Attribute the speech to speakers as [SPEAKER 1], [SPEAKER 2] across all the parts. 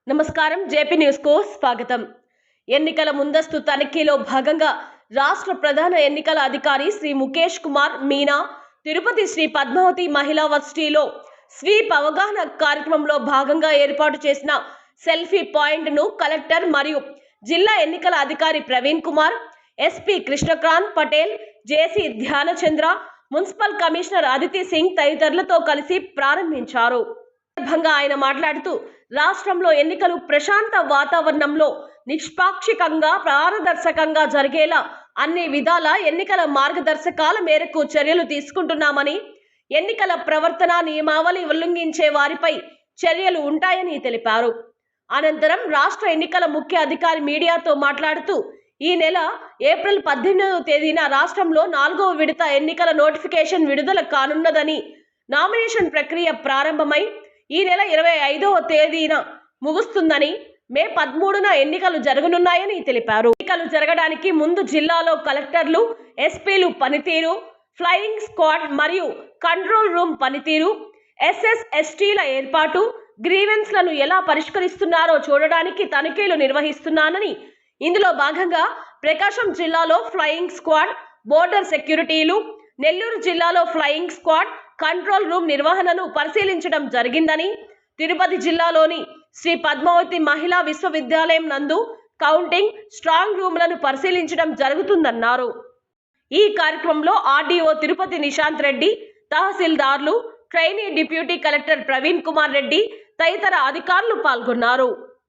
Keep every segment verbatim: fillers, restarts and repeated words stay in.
[SPEAKER 1] నమస్కారం JP news కు స్వాగతం। ఎన్నికల ముందస్తు తనిఖీలో భాగంగా రాష్ట్ర ప్రధాన ఎన్నికల అధికారి శ్రీ ముఖేష్ కుమార్ మీనా తిరుపతి శ్రీ పద్మావతి మహిళా వర్సిటీలో స్వీప్ అవగాహన కార్యక్రమంలో భాగంగా ఏర్పాటు చేసిన సెల్ఫీ పాయింట్ ను కలెక్టర్ మరియు జిల్లా ఎన్నికల అధికారి Praveen Kumar, SP Krishnakant Patel, JC Dhyanachandra, municipal commissioner Aditi Singh తదితరులతో కలిసి ప్రారంభించారు। సందర్భంగా ఆయన మాట్లాడుతూ రాష్ట్రంలో ఎన్నికలు ప్రశాంత వాతావరణంలో నిష్పాక్షికంగా పారదర్శకంగా జరిగేలా అన్ని విధాల ఎన్నికల మార్గదర్శకాల మేరకు చర్యలు తీసుకుంటున్నామని, ఎన్నికల ప్రవర్తన నియమావళి ఉల్లంఘించే వారిపై చర్యలు ఉంటాయని తెలిపారు। అనంతరం రాష్ట్ర ఎన్నికల ముఖ్య అధికారి మీడియాతో మాట్లాడుతూ ఈ నెల ఏప్రిల్ పద్దెనిమిదవ తేదీన రాష్ట్రంలో నాలుగవ విడత ఎన్నికల నోటిఫికేషన్ విడుదల కానున్నదని, నామినేషన్ ప్రక్రియ ప్రారంభమై ఈ నెల ఇరవై ఐదవ తేదీన ముగుస్తుందని, మే పదమూడున ఎన్నికలు జరగనున్నాయని తెలిపారు। ఎన్నికలు జరగడానికి ముందు జిల్లాలో కలెక్టర్లు, ఎస్పీలు పనితీరు, ఫ్లయింగ్ స్క్వాడ్ మరియు కంట్రోల్ రూమ్ పనితీరు, ఎస్ఎస్ ఎస్టీల ఏర్పాటు, గ్రీవెన్స్లను ఎలా పరిష్కరిస్తున్నారో చూడడానికి తనిఖీలు నిర్వహిస్తున్నానని, ఇందులో భాగంగా ప్రకాశం జిల్లాలో ఫ్లయింగ్ స్క్వాడ్, బోర్డర్ సెక్యూరిటీలు, నెల్లూరు జిల్లాలో ఫ్లయింగ్ స్క్వాడ్, కంట్రోల్ రూమ్ నిర్వహణను పరిశీలించడం జరిగిందని, తిరుపతి జిల్లాలోని శ్రీ పద్మావతి మహిళా విశ్వవిద్యాలయం నందు కౌంటింగ్, స్ట్రాంగ్ రూమ్లను పరిశీలించడం జరుగుతుందన్నారు। ఈ కార్యక్రమంలో ఆర్డీఓ తిరుపతి నిశాంత్ రెడ్డి, తహసీల్దార్లు, trainee deputy collector Praveen Kumar Reddy తదితర అధికారులు పాల్గొన్నారు।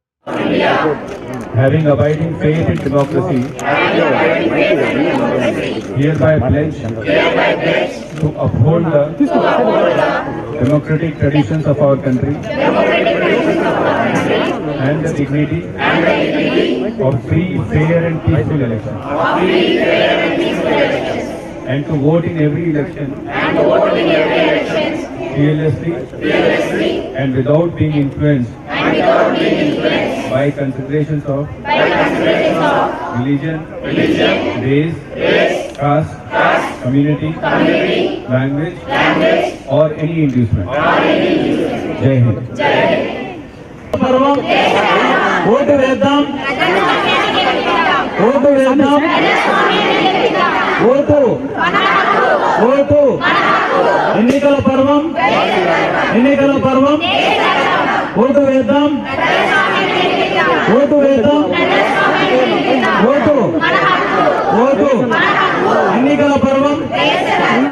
[SPEAKER 2] Having abiding faith in democracy, hereby pledge to uphold the democratic traditions of our country and the dignity of free, fair and peaceful elections, and to vote in every election fearlessly and without being influenced by considerations of religion, race, caste, community, language or any inducement. Jai Hind.
[SPEAKER 3] ఓటు వేద్దాం ఓటు వేద్దాం ఓటు ఓటు ఎన్నికల పర్వం ఎన్నికల పర్వం ఓటు వేద్దాం ఓటు వేద్దాం ఓటు ఓటు ఎన్నికల పర్వం